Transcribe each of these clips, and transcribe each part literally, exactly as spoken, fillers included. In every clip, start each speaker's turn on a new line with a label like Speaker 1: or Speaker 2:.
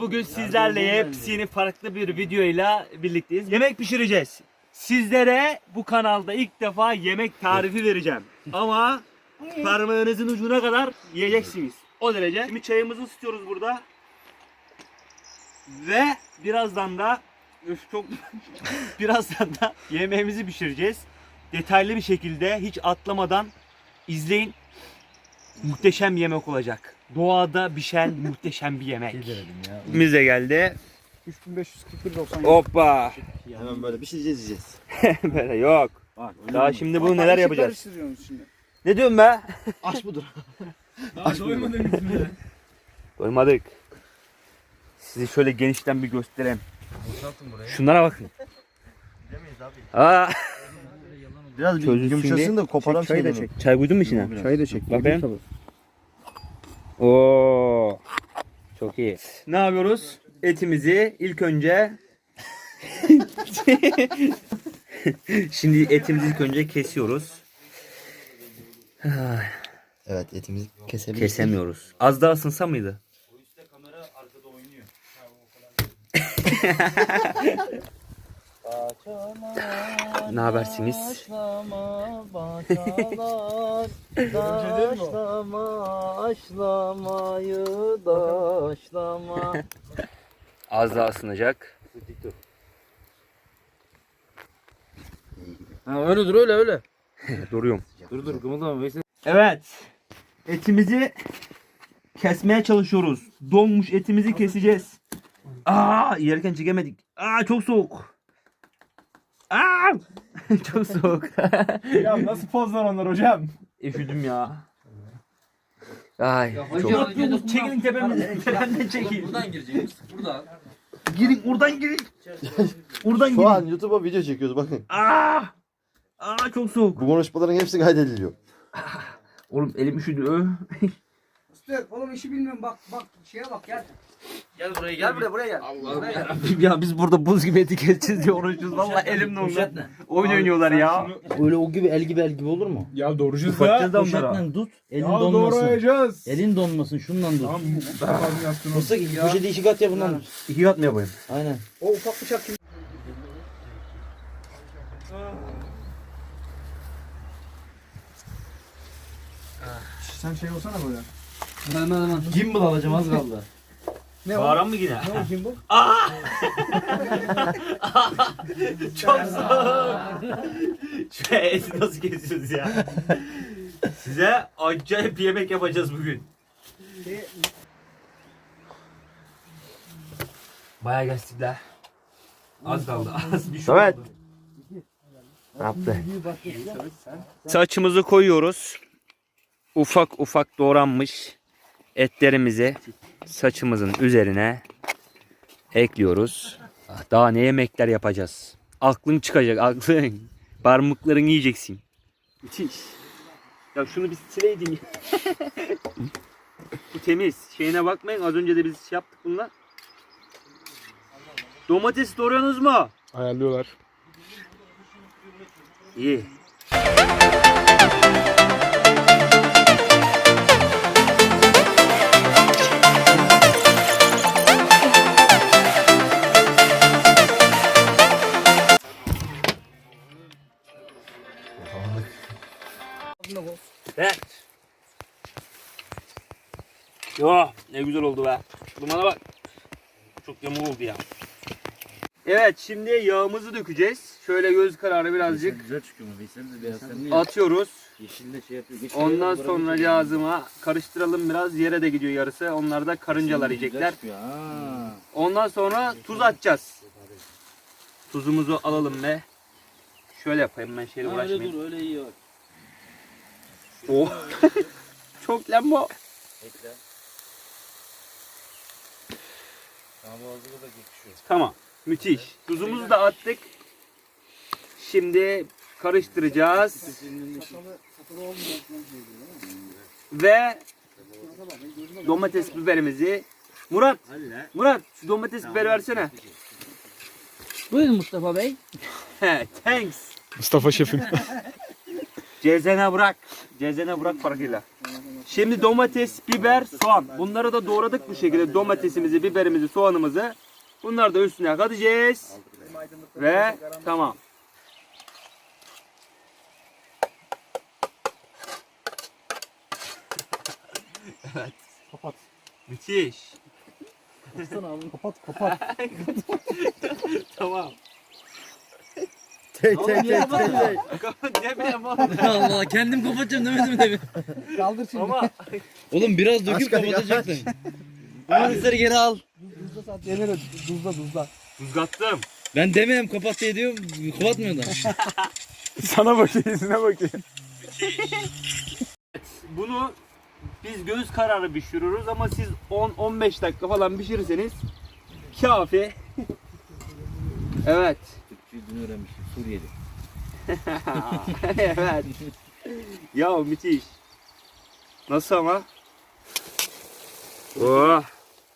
Speaker 1: bugün sizlerle yepyeni farklı bir videoyla birlikteyiz. Yemek pişireceğiz. Sizlere bu kanalda ilk defa yemek tarifi vereceğim. Ama parmağınızın ucuna kadar yiyeceksiniz. O derece. Şimdi çayımızı ısıtıyoruz burada. Ve birazdan da üf çok birazdan da yemeğimizi pişireceğiz. Detaylı bir şekilde hiç atlamadan izleyin. Muhteşem bir yemek olacak. Doğada pişen muhteşem bir yemek. Biz de geldi.
Speaker 2: üç bin beş yüz kırk bir doksan.
Speaker 1: Hoppa.
Speaker 3: Hemen böyle bir şey yiyeceğiz.
Speaker 1: Böyle yok.
Speaker 3: Bak,
Speaker 1: Daha şimdi bunu neler yapacağız?
Speaker 2: Şimdi.
Speaker 1: Ne diyorsun be?
Speaker 3: aç budur.
Speaker 2: Daha doymadınız mı?
Speaker 1: Doymadık. Sizi şöyle genişten bir göstereyim. Şunlara bakın. Aa.
Speaker 3: Biraz bir
Speaker 1: Çözülsün
Speaker 3: yumuşasın
Speaker 1: diye.
Speaker 3: da koparan
Speaker 2: Çek, çayı da
Speaker 3: şeyleri.
Speaker 2: çek.
Speaker 1: Çay koydun mu içine?
Speaker 2: Çayı da çek.
Speaker 1: Bakayım. Oo. Çok iyi. Ne yapıyoruz? Etimizi ilk önce Şimdi etimizi ilk önce kesiyoruz.
Speaker 3: Evet, etimizi kesebiliriz.
Speaker 1: Kesemiyoruz. Az daha ısınsa mıydı? Ne habersiniz? Az daha ısınacak.
Speaker 4: Ha öyle dur öyle öyle.
Speaker 1: Duruyorum.
Speaker 4: Dur dur kımıldama Veysel.
Speaker 1: Evet. Etimizi kesmeye çalışıyoruz. Donmuş etimizi keseceğiz. Aa, yerken çekemedik. Aa, çok soğuk. Aa! Çok soğuk.
Speaker 2: Ya nasıl pozlar onlar hocam?
Speaker 1: Üşüdüm ya. Ay,
Speaker 4: hocam,
Speaker 1: çok.
Speaker 4: hocam,
Speaker 1: Çekilin tepemizden. Tepemden çekil.
Speaker 4: Buradan gireceğiz. Buradan.
Speaker 1: Girin, oradan girin. Oradan
Speaker 3: Şu
Speaker 1: girin.
Speaker 3: an YouTube'a video çekiyoruz bakın.
Speaker 1: Aa! Aa, çok soğuk.
Speaker 3: Bu konuşmaların hepsi kaydediliyor.
Speaker 1: Oğlum elim üşüdü.
Speaker 5: Usta oğlum işi bilmiyorum bak bak şeye bak gel.
Speaker 4: Gel buraya gel.
Speaker 5: Gel buraya buraya gel.
Speaker 4: Allah'ım
Speaker 5: Buraya
Speaker 4: ya.
Speaker 5: gel.
Speaker 1: Ya biz burada buz gibi eti keseceğiz diye uğraşıyoruz. Valla elim dondu. Oyun oynuyorlar ya.
Speaker 6: Öyle o gibi el gibi el gibi olur mu?
Speaker 2: Ya doğrayacağız
Speaker 1: Bakacağız
Speaker 2: da.
Speaker 1: da onlara.
Speaker 6: Poşetle tut. Elin
Speaker 2: Ya
Speaker 6: donmasın.
Speaker 2: doğrayacağız.
Speaker 6: Elin donmasın. Şundan tut.
Speaker 2: Tamam daha fazla yaptın oğlum.
Speaker 6: Mısır poşeti iki kat yapın.
Speaker 1: İki kat mı yapayım?
Speaker 6: Aynen.
Speaker 5: O ufak bıçak kim?
Speaker 2: Sen şey olsana böyle.
Speaker 4: Hemen hemen.
Speaker 6: Gimbal alacağım az kaldı.
Speaker 5: Ne o?
Speaker 1: Bağıran mı yine?
Speaker 5: Ne o kim bu?
Speaker 1: Çok soğuk. Şu eti nasıl kesiyoruz ya? Size acayip bir yemek yapacağız bugün. Bayağı geçtikler. Az kaldı. Az bir şey
Speaker 3: Evet.
Speaker 1: oldu. Ne yaptı? Saçımızı koyuyoruz. Ufak ufak doğranmış etlerimizi saçımızın üzerine ekliyoruz. Daha ne yemekler yapacağız? Aklın çıkacak, aklın. Parmaklarını yiyeceksin. Müthiş. Ya şunu bir sileydin ya. Bu temiz. Şeyine bakmayın. Az önce de biz şey yaptık bununla. Domates doğruyorsunuz mu?
Speaker 2: Ayarlıyorlar.
Speaker 1: İyi. Evet. Yo, ne güzel oldu be. Dumana bak. Çok yamuk oldu ya. Evet, şimdi yağımızı dökeceğiz. Şöyle göz kararı birazcık
Speaker 6: Güzel çıkıyor mu? Veysel de beyaz sen niye?
Speaker 1: atıyoruz.
Speaker 6: Yeşil de şey yapıyor. Geç
Speaker 1: Ondan
Speaker 6: şuraya,
Speaker 1: sonra
Speaker 6: buraya
Speaker 1: cihazıma karıştıralım biraz. Yere de gidiyor yarısı. Onlar da karıncalar
Speaker 6: Güzel
Speaker 1: yiyecekler.
Speaker 6: çıkıyor, ha.
Speaker 1: Ondan sonra tuz atacağız. Tuzumuzu alalım ve şöyle yapayım, ben şeyle
Speaker 6: Ha, öyle
Speaker 1: uğraşmayayım.
Speaker 6: dur öyle iyi bak.
Speaker 1: Oh. Çok lambo.
Speaker 6: Ekle. Tamam boğazına da geçiyor.
Speaker 1: Tamam. Müthiş. Tuzumuzu da attık. Şimdi karıştıracağız. Ve domates biberimizi. Murat. Murat şu domates biberi versene.
Speaker 4: Buyurun Mustafa Bey.
Speaker 1: He, thanks.
Speaker 2: Mustafa şefim.
Speaker 1: Cezene bırak. Cezene bırak farkıyla. Şimdi domates, biber, soğan. Bunları da doğradık bu şekilde. Domatesimizi, biberimizi, soğanımızı. Bunları da üstüne katacağız. Ve tamam. Evet.
Speaker 2: Kapat.
Speaker 1: Müthiş.
Speaker 2: Kapat kapat.
Speaker 1: Tamam.
Speaker 3: Tek
Speaker 4: Oğlum niye kapatmıyorsun?
Speaker 1: Ne bileyim oğlum.
Speaker 4: Allah Allah kendim kapatacağım demedim mi demin?
Speaker 5: Kaldır şimdi.
Speaker 1: Ama
Speaker 4: Oğlum biraz döküp
Speaker 3: Aşkım,
Speaker 4: kapatacaktın. Domatesleri geri al.
Speaker 5: Tuzla sat yenir. Tuzla tuzla.
Speaker 1: tuzgattım.
Speaker 4: Ben demeyeyim kapat diye diyorum. Kapatmıyor da.
Speaker 2: Sana bakayım, yüzüne bakayım.
Speaker 1: Bunu biz göz kararı pişiriyoruz ama siz on on beş dakika falan pişirirseniz kafi. Evet.
Speaker 6: Türkçeyi dün öğrenmiştim. Suriyeli.
Speaker 1: Evet. Ya müthiş. Nasıl ama? Oh.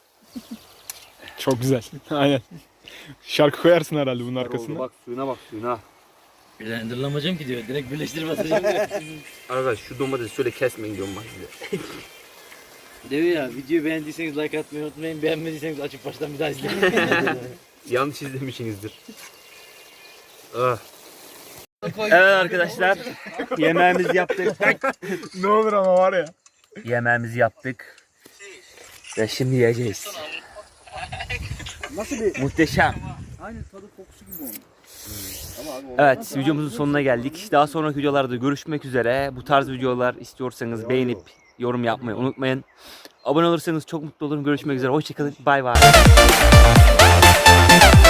Speaker 2: Çok güzel. Aynen. Şarkı koyarsın herhalde bunun
Speaker 1: Oldu,
Speaker 2: arkasına.
Speaker 1: bak suyuna bak suyuna.
Speaker 4: Blenderlamayacağım ki diyor. Direkt birleştirip atacağım diyor.
Speaker 1: Arkadaş şu domatesi şöyle kesmeyin diyorum bak size.
Speaker 4: Diyor ya videoyu beğendiyseniz like atmayı unutmayın. Beğenmediyseniz açıp baştan bir daha izleyin.
Speaker 1: Yanlış izlemişsinizdir. Ah. Evet arkadaşlar. Yemeğimizi yaptık.
Speaker 2: Ne olur ama var ya.
Speaker 1: Yemeğimizi yaptık. Ve şimdi yiyeceğiz.
Speaker 5: Nasıl bir?
Speaker 1: Muhteşem.
Speaker 5: Aynı tadı kokusu gibi onun.
Speaker 1: Evet, videomuzun sonuna geldik. Daha sonraki videolarda görüşmek üzere. Bu tarz videolar istiyorsanız beğenip yorum yapmayı unutmayın. Abone olursanız çok mutlu olurum. Görüşmek üzere. Hoşçakalın. Bay bay.